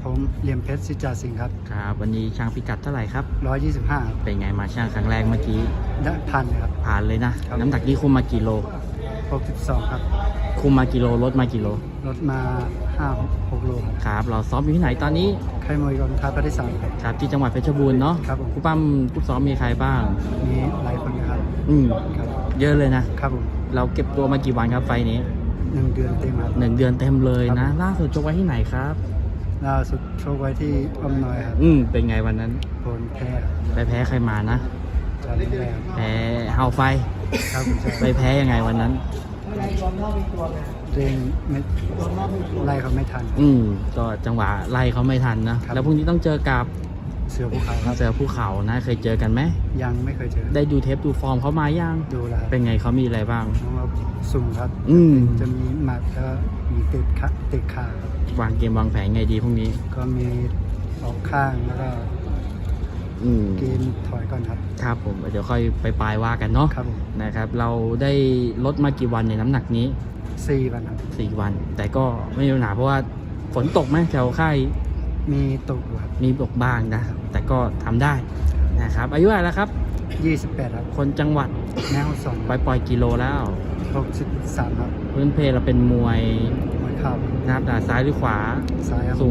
ผมเหลี่ยมเพชรสิจาสิงห์ครับครับวันนี้ช่างพิกัดเท่าไหร่ครับ 125 เป็นไงมาช่างครั้งแรกเมื่อกี้ได้พันครับผ่านเลยนะครับ น้ำหนักนี้คุมมากี่โล 62ครับคุมมากี่โลลดมากี่โลลดมา5-6 โลครับครับเราซ้อมอยู่ที่ไหนตอนนี้ค่ายมวยกองทัพภาคที่3ครับครับที่จังหวัดเพชรบูรณ์เนาะครับผมผู้ปั้มผู้ซ้อมมีใครบ้างมีหลายคนนะครับครับเยอะเลยนะครับผมเราเก็บตัวมากี่วันครับไฟนี้ 1 เดือนเต็มครับ 1 เดือนเต็มเลยนะล่าสุดชกไว้ที่ไหนครับล่าสุดโชว์ไว้ที่อ้อมน้อยครับเป็นไงวันนั้นผลแพ้ไปแพ้ใครมานะจำไม่ได้ครับแพ้เฮาไฟครับไปแพ้ยังไงวันนั้นเร่งไม่ไล่เขาไม่ทันก็จังหวะไล่เขาไม่ทันนะแล้วพรุ่งนี้ต้องเจอกับเสือภูเขาครับเสือภูเขานะเคยเจอกันไหมยังไม่เคยเจอได้ดูเทปดูฟอร์มเขามายังดูแล้วเป็นไงเขามีอะไรบ้างน้องเราสูงครับจะมีหมัดแล้วมีเตะขาครับวางเกมวางแผนไงดีพรุ่งนี้ก็มีออกข้างแล้วก็เกมถอยก่อนครับครับผมเดี๋ยวค่อยไปปลายว่ากันเนาะครับนะครับเราได้ลดมากี่วันในน้ำหนักนี้ 4 วันครับ 4 วันแต่ก็ไม่มีปัญหาเพราะว่าฝนตกไหมแถวค่ายมีตกครับมีตกบ้างนะแต่ก็ทำได้นะครับอายุอะไรแล้วครับ 28ครับคนจังหวัดแม่ฮ่องสอนปล่อยกิโลแล้ว 63ครับพื้นเพเราเป็นมวยเข่านะครับซ้ายหรือขวาซ้ายสูง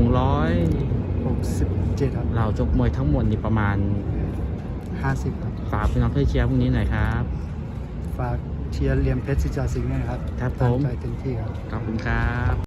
167ครับเราชกมวยทั้งหมดนี่ประมาณ 50ครับฝากพี่น้องเพื่อเชียร์พรุ่งนี้หน่อยครับฝากเชียร์เหลี่ยมเพชรสิจาสิงห์ด้วยนะครับครับผมใจเต็มที่ครับขอบคุณครับ